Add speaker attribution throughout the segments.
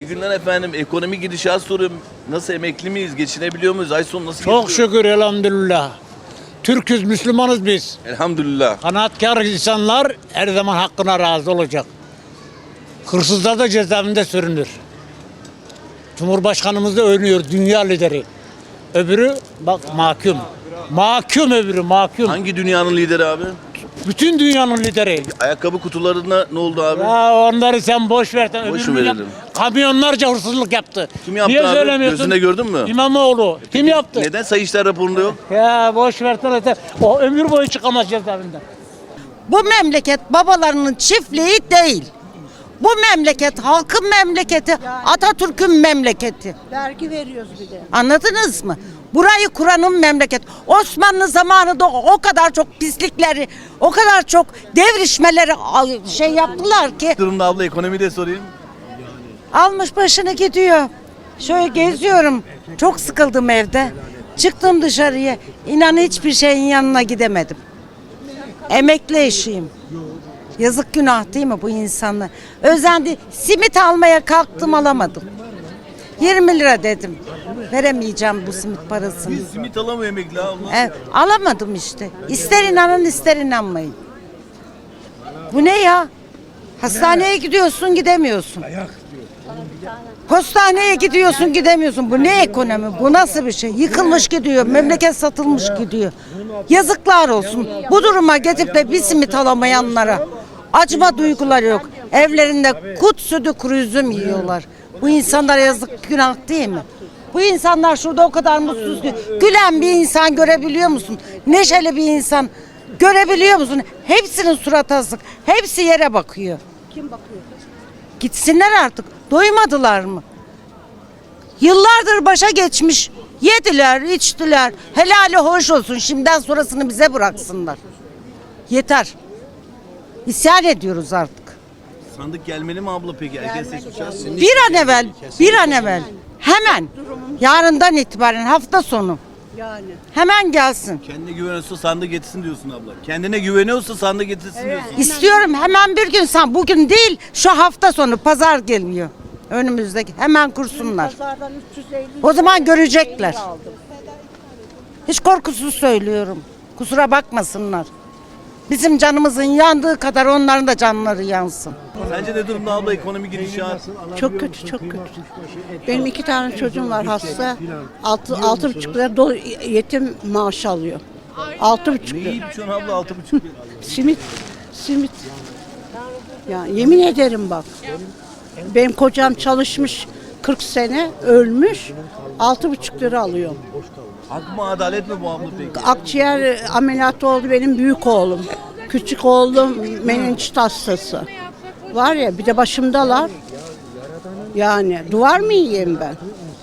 Speaker 1: günler efendim. Ekonomi gidişat soruyorum. Nasıl, emekli miyiz? Geçinebiliyor muyuz? Ay sonu nasıl
Speaker 2: Çok
Speaker 1: geçiyor?
Speaker 2: şükür elhamdülillah. Türk'üz, Müslümanız biz.
Speaker 1: Elhamdülillah.
Speaker 2: Kanaatkar insanlar her zaman hakkına razı olacak. Hırsızlar da cezaevinde sürünür. Cumhurbaşkanımız da övünüyor, dünya lideri. Öbürü bak mahkum. Mahkum öbürü, mahkum.
Speaker 1: Hangi dünyanın lideri abi?
Speaker 2: Bütün dünyanın lideri.
Speaker 1: Ayakkabı kutularına ne oldu abi?
Speaker 2: Ya onları sen boş ver.
Speaker 1: Boş
Speaker 2: Öbürünü
Speaker 1: verelim.
Speaker 2: Kamyonlarca hırsızlık yaptı.
Speaker 1: Kim yaptı
Speaker 2: Niye
Speaker 1: abi?
Speaker 2: söylemiyorsun?
Speaker 1: Gözünde gördün mü?
Speaker 2: İmamoğlu. Kim yaptı?
Speaker 1: Neden Sayıştay raporunda yok?
Speaker 2: Ya boş versene. O ömür boyu çıkamaz cezaevinden.
Speaker 3: Bu memleket babalarının çiftliği değil. Bu memleket halkın memleketi, Atatürk'ün memleketi.
Speaker 4: Vergi veriyoruz bir de.
Speaker 3: Anladınız mı? Burayı kuranın memleket. Osmanlı zamanında o kadar çok pislikleri, o kadar çok devrişmeleri şey yaptılar ki
Speaker 1: Durumda abla, ekonomi de sorayım.
Speaker 3: almış başını gidiyor. Şöyle geziyorum. Çok sıkıldım evde. Çıktım dışarıya. İnan hiçbir şeyin yanına gidemedim. Emekli eşiyim. Yazık, günah değil mi bu insanlar? Özendi. Simit almaya kalktım, alamadım. 20 lira dedim. Veremeyeceğim bu simit parasını.
Speaker 1: Biz simit alamıyor emekli abla.
Speaker 3: Alamadım işte. İster inanın ister inanmayın. Bu ne ya? Hastaneye gidiyorsun gidemiyorsun. Postaneye gidiyorsun gidemiyorsun. Bu ne ekonomi? Bu nasıl bir şey? Yıkılmış gidiyor. Memleket satılmış gidiyor. Yazıklar olsun. Bu duruma getirip de bir simit alamayanlara acıma duyguları yok. Evlerinde kut sütü kuru üzüm yiyorlar. Bu insanlara yazık, günah değil mi? Bu insanlar şurada o kadar mutsuz ki. Gülen bir insan görebiliyor musun? Neşeli bir insan görebiliyor musun? Hepsinin suratı asık. Hepsi yere bakıyor.
Speaker 4: Kim bakıyor?
Speaker 3: Gitsinler artık. Doymadılar mı? Yıllardır başa geçmiş. Yediler, içtiler. Helali hoş olsun. Şimdiden sonrasını bize bıraksınlar. Yeter. İsyan ediyoruz artık.
Speaker 1: Sandık gelmeli mi abla peki? Erken seçim şansı.
Speaker 3: Bir an evvel. Hemen. Yarından itibaren hafta sonu.
Speaker 4: Yani.
Speaker 3: Hemen gelsin.
Speaker 1: Kendine güveniyorsa sandık getirsin diyorsun abla. Kendine güveniyorsa sandık getirsin diyorsun.
Speaker 3: İstiyorum hemen bir gün, bugün değil, şu hafta sonu pazar geliyor. Önümüzdeki hemen kursunlar.
Speaker 4: Pazardan 350
Speaker 3: O zaman görecekler.
Speaker 4: peynir aldım.
Speaker 3: Hiç korkusuz söylüyorum. Kusura bakmasınlar. Bizim canımızın yandığı kadar onların da canları yansın.
Speaker 1: Sence ne durumda abla ekonomi gidişat?
Speaker 4: Çok kötü, çok kötü. Benim 2 tane çocuğum var hasta. 6,5 lira yetim maaş alıyor. 6,5
Speaker 1: Ne
Speaker 4: lira.
Speaker 1: yiyip şu an abla 6,5 lira.
Speaker 4: Simit. Ya yemin ederim bak. Benim kocam çalışmış 40 sene, ölmüş. 6,5 lira alıyor.
Speaker 1: Hak mı, adalet mi bu abla peki?
Speaker 4: Akciğer ameliyatı oldu benim büyük oğlum. Küçük oğlum menenjit hastası. Var ya, bir de başımdalar. Yani duvar mı yiyeyim ben?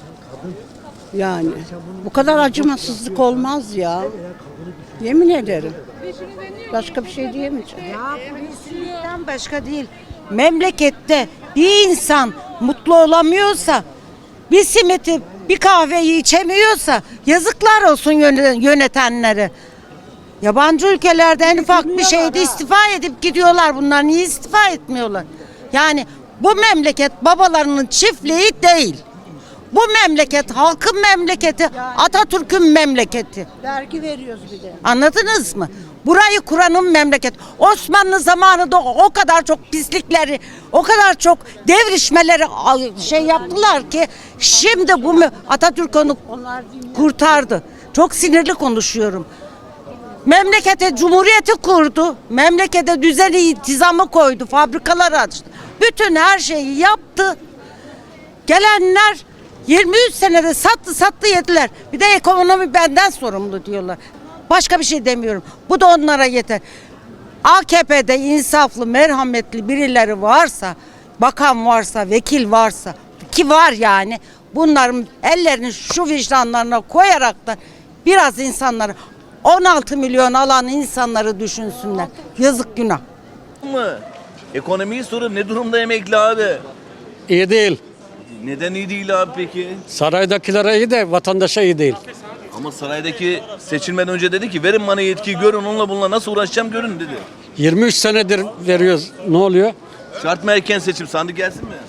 Speaker 4: Yani bu kadar acımasızlık olmaz ya. Yemin ederim. Başka bir şey diyemeyeceğim.
Speaker 3: Polislikten başka değil. Memlekette bir insan mutlu olamıyorsa, bir simiti, bir kahveyi içemiyorsa yazıklar olsun yönetenlere. Yabancı ülkelerde en ufak bir şeyde istifa edip gidiyorlar bunlar. Niye istifa etmiyorlar? Yani bu memleket babalarının çiftliği değil. Bu memleket halkın memleketi, Atatürk'ün memleketi.
Speaker 4: Vergi veriyoruz bir de.
Speaker 3: Anladınız mı? Burayı kuranın memleket. Osmanlı zamanında o kadar çok pislikleri, o kadar çok devrişmeleri şey yaptılar ki şimdi bu Atatürk onu kurtardı. Çok sinirli konuşuyorum. Memlekete cumhuriyeti kurdu. Memlekete düzeni, intizamı koydu. Fabrikalar açtı. Bütün her şeyi yaptı. Gelenler 23 senede sattı yediler. Bir de ekonomi benden sorumlu diyorlar. Başka bir şey demiyorum. Bu da onlara yeter. AKP'de insaflı, merhametli birileri varsa, bakan varsa, vekil varsa, ki var yani, bunların ellerini şu vicdanlarına koyarak da biraz insanları, 16 milyon alan insanları düşünsünler. Yazık, günah.
Speaker 1: Mı? Ekonomiyi soruyorum. Ne durumda emekli abi?
Speaker 2: İyi değil.
Speaker 1: Neden iyi değil abi peki?
Speaker 2: Saraydakilere iyi de vatandaşa iyi değil.
Speaker 1: Ama saraydaki seçilmeden önce dedi ki verin bana yetkiyi, görün onunla bununla nasıl uğraşacağım görün dedi.
Speaker 2: 23 senedir veriyoruz. Ne oluyor?
Speaker 1: Şart mı erken seçim, sandık gelsin mi?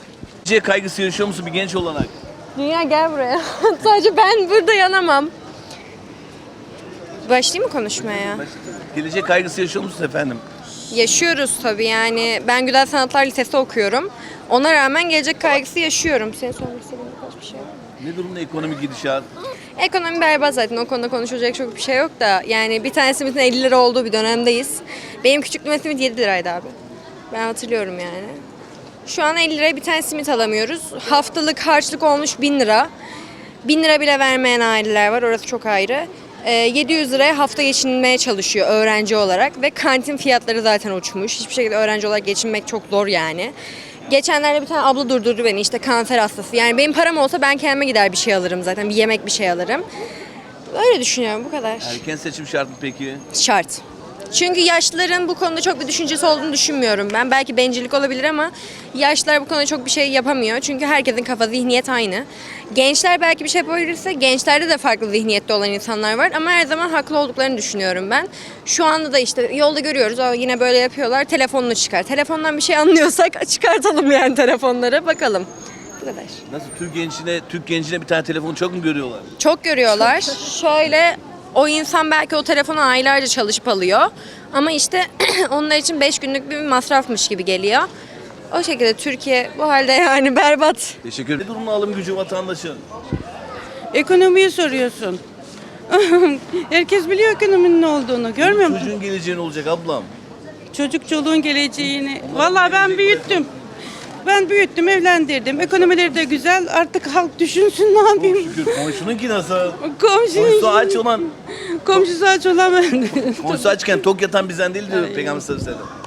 Speaker 1: Gelecek kaygısı yaşıyor musun bir genç olarak?
Speaker 5: Dünya gel buraya. Sadece ben burada yanamam. Başlayayım mı konuşmaya?
Speaker 1: Gelecek kaygısı yaşıyor musun efendim?
Speaker 5: Yaşıyoruz tabii yani. Ben Güzel Sanatlar Lisesi okuyorum. Ona rağmen gelecek kaygısı yaşıyorum. Senin sormak istediğin birkaç bir şey var mı?
Speaker 1: Ne durumda ekonomik gidişat?
Speaker 5: Ekonomi berbat zaten. O konuda konuşulacak çok bir şey yok da. Yani bir tane simitin 50 lira olduğu bir dönemdeyiz. Benim küçüklüğümde simit 7 liraydı abi. Ben hatırlıyorum yani. Şu an 50 liraya bir tane simit alamıyoruz. Haftalık harçlık olmuş 1000 lira. 1000 lira bile vermeyen aileler var. Orası çok ayrı. 700 liraya hafta geçinmeye çalışıyor öğrenci olarak. Ve kantin fiyatları zaten uçmuş. Hiçbir şekilde öğrenci olarak geçinmek çok zor yani. Geçenlerde bir tane abla durdurdu beni, işte kanser hastası. Yani benim param olsa ben kendime gider bir şey alırım zaten. Bir yemek bir şey alırım. Öyle düşünüyorum, bu kadar.
Speaker 1: Erken seçim şart mı peki?
Speaker 5: Şart. Çünkü yaşlıların bu konuda çok bir düşüncesi olduğunu düşünmüyorum ben. Belki bencillik olabilir ama yaşlılar bu konuda çok bir şey yapamıyor. Çünkü herkesin kafa, zihniyet aynı. Gençler belki bir şey yapabilirse, gençlerde de farklı zihniyette olan insanlar var. Ama her zaman haklı olduklarını düşünüyorum ben. Şu anda da işte yolda görüyoruz, yine böyle yapıyorlar. Telefonunu çıkar. Telefondan bir şey anlıyorsak çıkartalım yani telefonları, bakalım. Bu kadar.
Speaker 1: Nasıl Türk gencine bir tane telefonu çok mu görüyorlar?
Speaker 5: Çok görüyorlar. Şöyle, o insan belki o telefonu aylarca çalışıp alıyor. Ama işte onlar için 5 günlük bir masrafmış gibi geliyor. O şekilde Türkiye bu halde yani berbat.
Speaker 1: Teşekkür ederim. Ne durumda alım gücü vatandaşın?
Speaker 6: Ekonomiyi soruyorsun. Herkes biliyor ekonominin ne olduğunu. Görmüyor musun?
Speaker 1: Çocuğun geleceği ne olacak ablam?
Speaker 6: Çocuk çoluğun geleceğini. Vallahi ben büyüttüm. Ben büyüttüm, evlendirdim. Ekonomileri de güzel. Artık halk düşünsün, ne yapayım?
Speaker 1: Şükür komşununki nasıl?
Speaker 6: Komşu
Speaker 1: Komşusu aç olan,
Speaker 6: ben.
Speaker 1: komşusu açken tok yatan bizden değil diyor Peygamber sallallahu aleyhi ve sellem.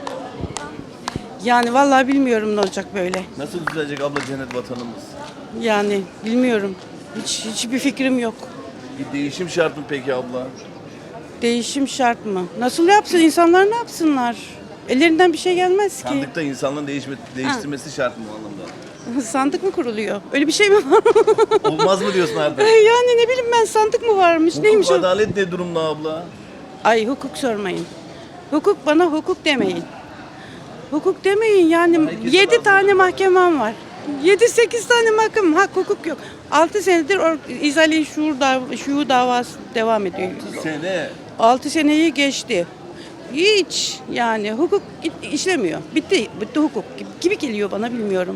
Speaker 6: Yani vallahi bilmiyorum ne olacak böyle.
Speaker 1: Nasıl düzelecek abla cennet vatanımız?
Speaker 6: Yani bilmiyorum. Hiçbir fikrim yok.
Speaker 1: Bir değişim şart mı peki abla?
Speaker 6: Değişim şart mı? Nasıl yapsın? İnsanlar ne yapsınlar? Ellerinden bir şey gelmez ki.
Speaker 1: Sandıkta insanların değiştirmesi şart mı o anlamda?
Speaker 6: Sandık mı kuruluyor? Öyle bir şey mi var?
Speaker 1: Olmaz mı diyorsun artık?
Speaker 6: Yani ne bileyim ben, sandık mı varmış? Neymiş
Speaker 1: Hukuk
Speaker 6: o?
Speaker 1: adalet ne durumda abla?
Speaker 6: Ay, hukuk sormayın. Bana hukuk demeyin. Hukuk demeyin yani,
Speaker 1: Herkese
Speaker 6: 7
Speaker 1: lazım.
Speaker 6: tane mahkemem var. 7-8 tane mahkemem, hukuk yok. 6 senedir İzali şuur davası devam ediyor.
Speaker 1: Sene.
Speaker 6: 6 seneyi geçti. Hiç yani hukuk işlemiyor. Bitti hukuk gibi geliyor bana, bilmiyorum.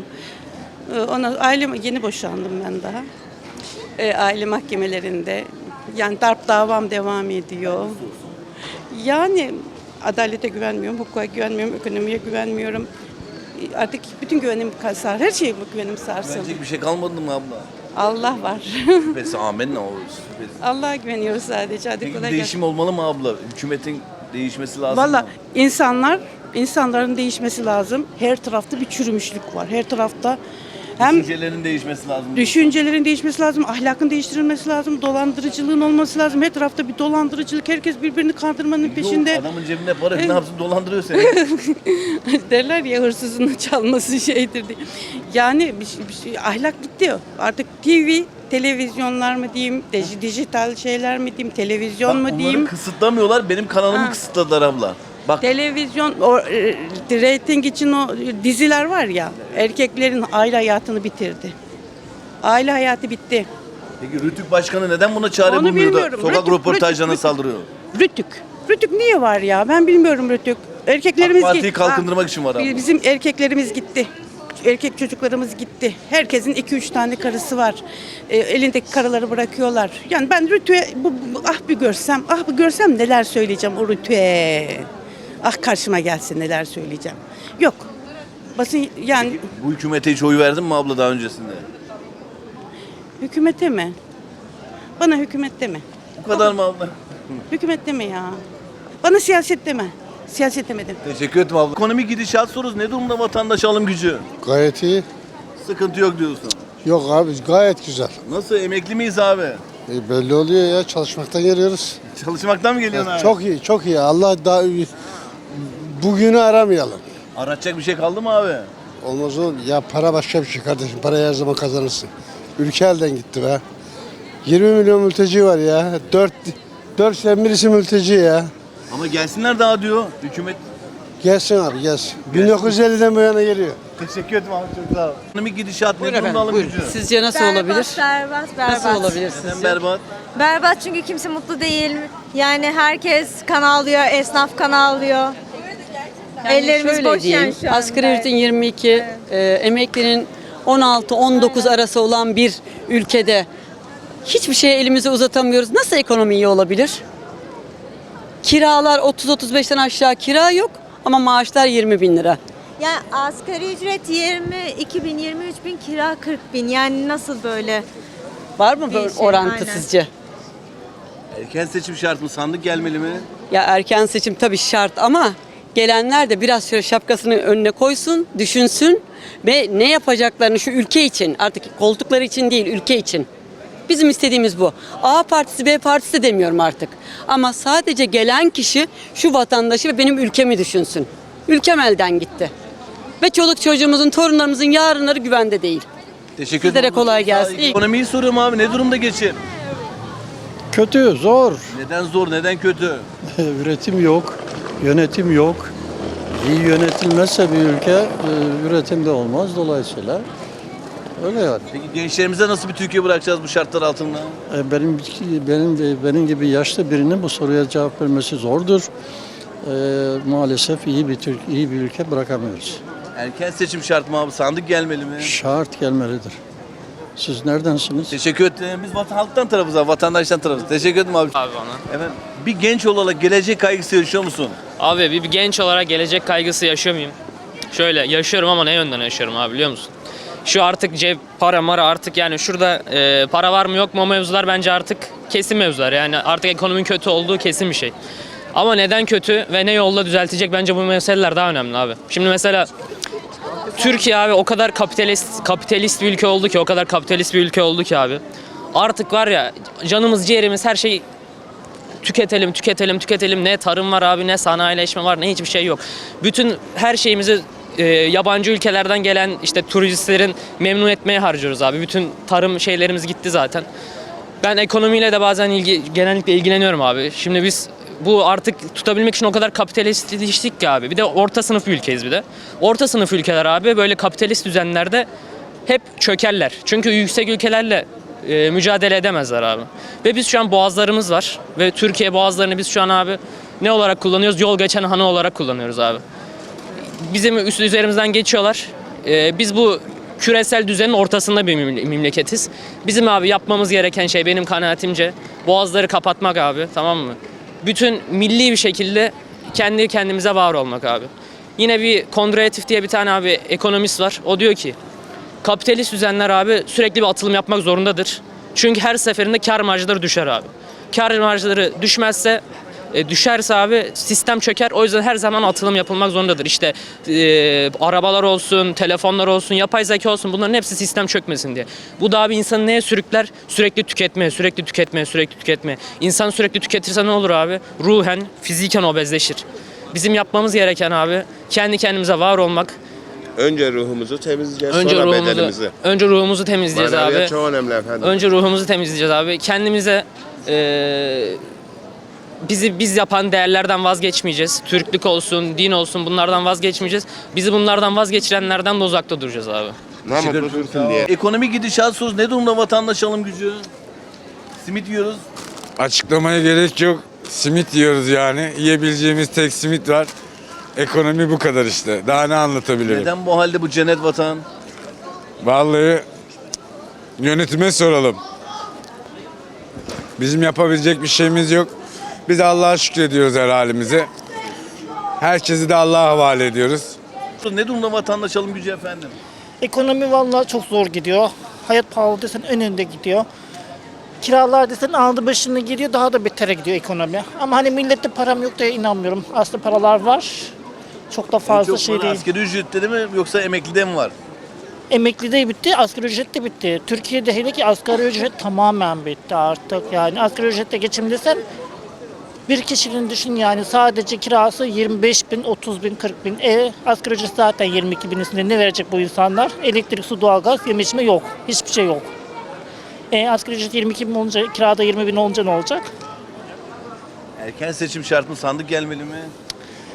Speaker 6: Yeni boşandım ben daha. Aile mahkemelerinde yani darp davam devam ediyor. Yani adalete güvenmiyorum, hukuka güvenmiyorum, ekonomiye güvenmiyorum. Artık bütün güvenim sarsın, her şeye güvenim sarsın.
Speaker 1: Güvenecek bir şey kalmadı mı abla?
Speaker 6: Allah var.
Speaker 1: Şüphesiz amenna o. Şüphesiz.
Speaker 6: Allah'a güveniyoruz sadece. Hadi
Speaker 1: Peki
Speaker 6: kolay gelsin.
Speaker 1: değişim olmalı mı abla? Hükümetin değişmesi lazım
Speaker 6: Valla
Speaker 1: mı?
Speaker 6: insanların değişmesi lazım. Her tarafta bir çürümüşlük var. Her tarafta hem
Speaker 1: Düşüncelerin değişmesi lazım.
Speaker 6: düşüncelerin değişmesi lazım, ahlakın değiştirilmesi lazım, dolandırıcılığın olması lazım. Her tarafta bir dolandırıcılık, herkes birbirini kandırmanın peşinde.
Speaker 1: Yok, adamın cebinde para ne yapsın dolandırıyor seni.
Speaker 6: Derler ya, hırsızın çalması şeydir diye. Yani ahlak gitti. Artık TV, televizyonlar mı diyeyim, dijital şeyler mi diyeyim, televizyon
Speaker 1: Bak,
Speaker 6: mu diyeyim.
Speaker 1: onları kısıtlamıyorlar, benim kanalımı kısıtladılar abla. Bak
Speaker 6: Televizyon, reyting için o diziler var ya, erkeklerin aile hayatını bitirdi. Aile hayatı bitti.
Speaker 1: peki Rütük Başkanı neden buna çare
Speaker 6: Onu
Speaker 1: bulmuyor da
Speaker 6: bilmiyorum.
Speaker 1: sokak röportajlarına
Speaker 6: Rütük.
Speaker 1: saldırıyor?
Speaker 6: Rütük niye var ya? Ben bilmiyorum Rütük. Erkeklerimiz
Speaker 1: AK Parti'yi kalkındırmak için var abla.
Speaker 6: Bizim erkeklerimiz gitti. Erkek çocuklarımız gitti. Herkesin 2-3 tane karısı var. Elindeki karıları bırakıyorlar. Yani ben Rütük'e bir görsem neler söyleyeceğim o Rütük'e. Ah, karşıma gelsin neler söyleyeceğim. Yok. Basın yani
Speaker 1: Peki, bu hükümete hiç oy verdin mi abla daha öncesinde?
Speaker 6: hükümete mi? Bana hükümet deme.
Speaker 1: Bu kadar mı abla?
Speaker 6: Hükümet deme ya. Bana siyaset deme. Siyaset demedim.
Speaker 1: Teşekkür ederim abla. Ekonomik gidişat sorusu ne durumda vatandaş alım gücü?
Speaker 7: Gayet iyi.
Speaker 1: Sıkıntı yok diyorsun.
Speaker 7: Yok abi, gayet güzel.
Speaker 1: Nasıl, emekli miyiz abi?
Speaker 7: Belli oluyor ya, çalışmaktan geliyoruz.
Speaker 1: Çalışmaktan mı geliyorsun abi?
Speaker 7: Çok iyi, çok iyi. Allah daha bugünü aramayalım.
Speaker 1: Aratacak bir şey kaldı mı abi?
Speaker 7: Olmaz o. Ya para başka bir şey kardeşim. Parayı her zaman kazanırsın. Ülke elden gitti be. 20 milyon mülteci var ya. 4 sen birisi mülteci ya.
Speaker 1: Ama gelsinler daha diyor hükümet.
Speaker 7: Gelsin abi gelsin. 1950'den bu yana geliyor.
Speaker 1: Teşekkür ederim abi, çok sağ ol. Ekonomik gidişat ne durumda alım gücü?
Speaker 8: Sizce nasıl olabilir?
Speaker 9: Berbat.
Speaker 8: Nasıl olabilir
Speaker 1: Neden
Speaker 8: sizce?
Speaker 1: berbat?
Speaker 9: Berbat çünkü kimse mutlu değil. Yani herkes kan ağlıyor, esnaf kan ağlıyor. Ellerimiz
Speaker 8: şöyle
Speaker 9: boş
Speaker 8: diyeyim,
Speaker 9: yani şu anda.
Speaker 8: asgari ücretin 22, emeklinin 16-19 arası olan bir ülkede hiçbir şeye elimizi uzatamıyoruz. Nasıl ekonomi iyi olabilir? Kiralar 30-35'ten aşağı kira yok ama maaşlar 20 bin lira.
Speaker 9: Yani asgari ücret 22 bin, 23 bin, kira 40 bin. Yani nasıl böyle?
Speaker 8: Var mı böyle
Speaker 9: Bir şey,
Speaker 8: orantı
Speaker 9: aynen.
Speaker 8: sizce?
Speaker 1: Erken seçim şart mı? Sandık gelmeli mi?
Speaker 8: Ya erken seçim tabii şart ama gelenler de biraz şöyle şapkasını önüne koysun, düşünsün ve ne yapacaklarını şu ülke için, artık koltukları için değil, ülke için. Bizim istediğimiz bu. A partisi, B partisi de demiyorum artık. Ama sadece gelen kişi şu vatandaşı ve benim ülkemi düşünsün. Ülkem elden gitti. Ve çoluk çocuğumuzun, torunlarımızın yarınları güvende değil.
Speaker 1: Teşekkür
Speaker 8: Sizlere
Speaker 1: ederim.
Speaker 8: kolay gelsin. İyi-
Speaker 1: Ekonomiyi soruyorum abi, ne durumda geçim?
Speaker 10: Kötü, zor.
Speaker 1: Neden zor, neden kötü?
Speaker 10: Üretim yok, yönetim yok. İyi yönetilmezse bir ülke üretim de olmaz dolayısıyla. Öyle yani.
Speaker 1: Peki gençlerimize nasıl bir Türkiye bırakacağız bu şartlar altında?
Speaker 10: Benim gibi yaşlı birinin bu soruya cevap vermesi zordur. Maalesef iyi bir ülke bırakamıyoruz.
Speaker 1: Erken seçim şart mı abi? Sandık gelmeli mi?
Speaker 10: Şart gelmelidir. Siz neredensiniz?
Speaker 1: Teşekkür ederim. Biz halktan tarafız abi, vatandaştan tarafız. Teşekkür ederim abi.
Speaker 11: Abi bana.
Speaker 1: Efendim, bir genç olarak gelecek kaygısı yaşıyor musun?
Speaker 11: Abi bir genç olarak gelecek kaygısı yaşıyor muyum? Şöyle yaşıyorum ama ne yönden yaşıyorum abi biliyor musun? Şu artık cep para mara artık yani şurada para var mı yok mu o mevzular bence artık kesin mevzular. Yani artık ekonominin kötü olduğu kesin bir şey. Ama neden kötü ve ne yolla düzeltecek bence bu meseleler daha önemli abi. Şimdi mesela Türkiye abi o kadar kapitalist bir ülke oldu ki, o kadar kapitalist bir ülke oldu ki abi. Artık var ya canımız ciğerimiz her şey tüketelim. Ne tarım var abi, ne sanayileşme var, ne hiçbir şey yok. Bütün her şeyimizi yabancı ülkelerden gelen işte turistlerin memnun etmeye harcıyoruz abi. Bütün tarım şeylerimiz gitti zaten. Ben ekonomiyle de bazen genellikle ilgileniyorum abi. Şimdi biz bu artık tutabilmek için o kadar kapitalistleştik ki abi. Bir de orta sınıf bir ülkeyiz bir de. Orta sınıf ülkeler abi böyle kapitalist düzenlerde hep çökerler. Çünkü yüksek ülkelerle mücadele edemezler abi. Ve biz şu an boğazlarımız var. Ve Türkiye boğazlarını biz şu an abi ne olarak kullanıyoruz? Yol geçen hanı olarak kullanıyoruz abi. Bizim üzerimizden geçiyorlar. Biz bu küresel düzenin ortasında bir memleketiz. Bizim abi yapmamız gereken şey benim kanaatimce boğazları kapatmak abi, tamam mı? Bütün milli bir şekilde kendi kendimize var olmak abi. Yine bir Kondratif diye bir tane abi ekonomist var. O diyor ki kapitalist düzenler abi sürekli bir atılım yapmak zorundadır. Çünkü her seferinde kar marjları düşer abi. Kar marjları düşerse abi sistem çöker. O yüzden her zaman atılım yapılmak zorundadır. İşte arabalar olsun, telefonlar olsun, yapay zeka olsun, bunların hepsi sistem çökmesin diye. Bu da abi insanı neye sürükler? Sürekli tüketmeye. İnsan sürekli tüketirse ne olur abi? Ruhen, fiziken obezleşir. Bizim yapmamız gereken abi kendi kendimize var olmak.
Speaker 12: Önce ruhumuzu temizleyeceğiz, sonra bedenimizi.
Speaker 11: Önce ruhumuzu temizleyeceğiz
Speaker 12: Maneviyat
Speaker 11: abi.
Speaker 12: çok önemli efendim.
Speaker 11: Önce ruhumuzu temizleyeceğiz abi. Kendimize biz yapan değerlerden vazgeçmeyeceğiz. Türklük olsun, din olsun, bunlardan vazgeçmeyeceğiz. Bizi bunlardan vazgeçirenlerden de uzakta duracağız abi.
Speaker 12: Ne mutlu Türk'üm diye.
Speaker 1: Ekonomik gidişat sorusu ne durumda vatandaş alım gücü? Simit yiyoruz.
Speaker 13: Açıklamaya gerek yok. Simit yiyoruz yani. Yiyebileceğimiz tek simit var. Ekonomi bu kadar işte. Daha ne anlatabilirim?
Speaker 1: Neden bu halde bu cennet vatan?
Speaker 13: Vallahi yönetime soralım. Bizim yapabilecek bir şeyimiz yok. Biz Allah'a şükrediyoruz her halimize. Herkesi de Allah'a havale ediyoruz.
Speaker 1: Ne durumda vatandaş alım gücü efendim?
Speaker 14: Ekonomi vallahi çok zor gidiyor. Hayat pahalı desen önünde gidiyor. Kiralar desen aldı başını gidiyor, daha da betere gidiyor ekonomi. Ama hani millette param yok diye inanmıyorum. Aslında paralar var. Çok da fazla
Speaker 1: Çok
Speaker 14: şey
Speaker 1: böyle
Speaker 14: değil.
Speaker 1: asgari ücretleri mi yoksa emeklide mi var?
Speaker 14: Emekli de bitti, asgari ücret de bitti. Türkiye'de hele ki asgari ücret tamamen bitti artık. Yani asgari ücretle geçim desen bir kişinin düşün yani sadece kirası 25 bin, 30 bin, 40 bin. Asgari ücret zaten 22 bin üstünde ne verecek bu insanlar? Elektrik, su, doğalgaz, yeme içme yok. Hiçbir şey yok. Asgari ücret 22 bin olunca, kirada 20 bin olunca ne olacak?
Speaker 1: Erken seçim şart mı? Sandık gelmeli mi?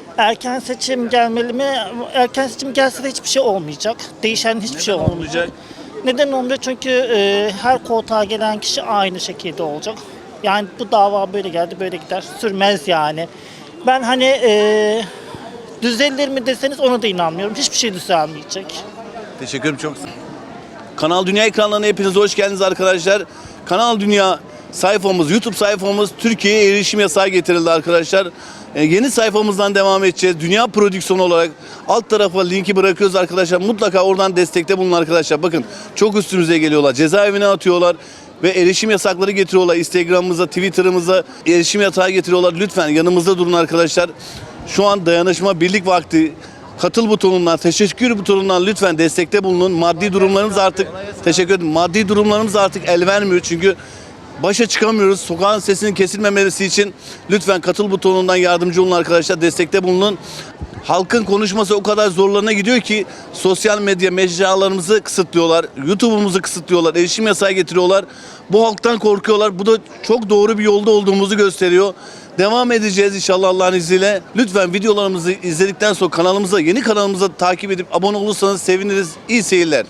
Speaker 14: Erken seçim gelmeli mi? Erken seçim gelse de hiçbir şey olmayacak. Değişen hiçbir şey olmayacak.
Speaker 1: Olmayacak.
Speaker 14: Neden olmuyor? Çünkü her koltuğa gelen kişi aynı şekilde olacak. Yani bu dava böyle geldi, böyle gider. Sürmez yani. Ben hani düzelir mi deseniz ona da inanmıyorum. Hiçbir şey düzelmeyecek.
Speaker 1: Teşekkür ederim çok. Kanal Dünya ekranlarına hepiniz hoş geldiniz arkadaşlar. Kanal Dünya sayfamız, YouTube sayfamız Türkiye'ye erişim yasağı getirildi arkadaşlar. Yeni sayfamızdan devam edeceğiz. Dünya prodüksiyonu olarak alt tarafa linki bırakıyoruz arkadaşlar. Mutlaka oradan destekte bulun arkadaşlar. Bakın çok üstümüze geliyorlar. Cezaevine atıyorlar ve erişim yasakları getiriyorlar. Instagram'ımıza, Twitter'ımıza erişim yasağı getiriyorlar. Lütfen yanımızda durun arkadaşlar. Şu an dayanışma, birlik vakti. Katıl butonundan, teşekkür butonundan lütfen destekte bulunun. Maddi durumlarımız artık, teşekkür ederim. Maddi durumlarımız artık el vermiyor çünkü başa çıkamıyoruz. Sokağın sesinin kesilmemesi için lütfen katıl butonundan yardımcı olun arkadaşlar. Destekte bulunun. Halkın konuşması o kadar zorlarına gidiyor ki sosyal medya mecralarımızı kısıtlıyorlar. YouTube'umuzu kısıtlıyorlar. Erişim yasağı getiriyorlar. Bu halktan korkuyorlar. Bu da çok doğru bir yolda olduğumuzu gösteriyor. Devam edeceğiz inşallah Allah'ın izniyle. Lütfen videolarımızı izledikten sonra yeni kanalımıza takip edip abone olursanız seviniriz. İyi seyirler.